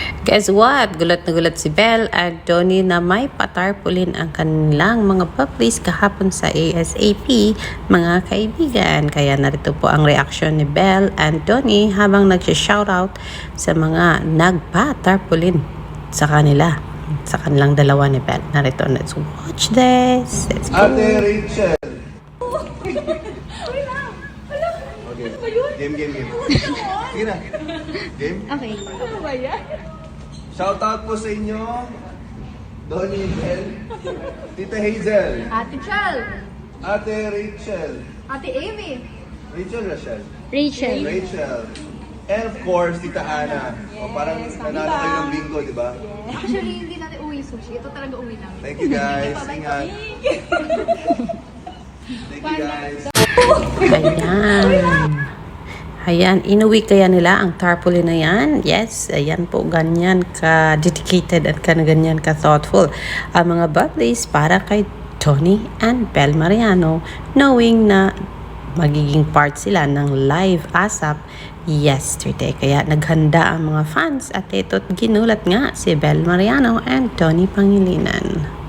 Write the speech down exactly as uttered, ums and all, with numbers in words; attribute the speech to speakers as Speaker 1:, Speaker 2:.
Speaker 1: Guess what? Gulat na gulat si Belle at Donnie na may patarpulin ang kanilang mga puppies kahapon sa A S A P, mga kaibigan. Kaya narito po ang reaksyon ni Belle and Donnie habang nagsha-shoutout sa mga nagpatarpulin sa kanila, sa kanilang dalawa ni Belle. Narito, let's watch this. Let's go.
Speaker 2: Ate Rachel. Okay. Game, game, game. Sige na. Game?
Speaker 3: Okay. Ano ba yan?
Speaker 2: Shoutout po sa inyo. Donnie and Belle. Tita Hazel.
Speaker 3: Ate Chal.
Speaker 2: Ate Rachel.
Speaker 3: Ate Amy.
Speaker 2: Rachel, Rachel.
Speaker 3: Rachel.
Speaker 2: Rachel. And of course, Tita Ana. O, parang nanalo kayo ng bingo, di ba?
Speaker 3: Actually, hindi natin uwi sushi. Ito talaga uwi namin.
Speaker 2: Thank you guys. Ingat. Thank you guys.
Speaker 1: Ayan. Ayan, inuwi kaya nila ang tarpaulin na yan? Yes, ayan po, ganyan ka-dedicated at ganyan ka-thoughtful ang mga bubblies para kay Donnie and Belle Mariano, knowing na magiging part sila ng live ASAP yesterday. Kaya naghanda ang mga fans at ito't ginulat nga si Belle Mariano and Donnie Pangilinan.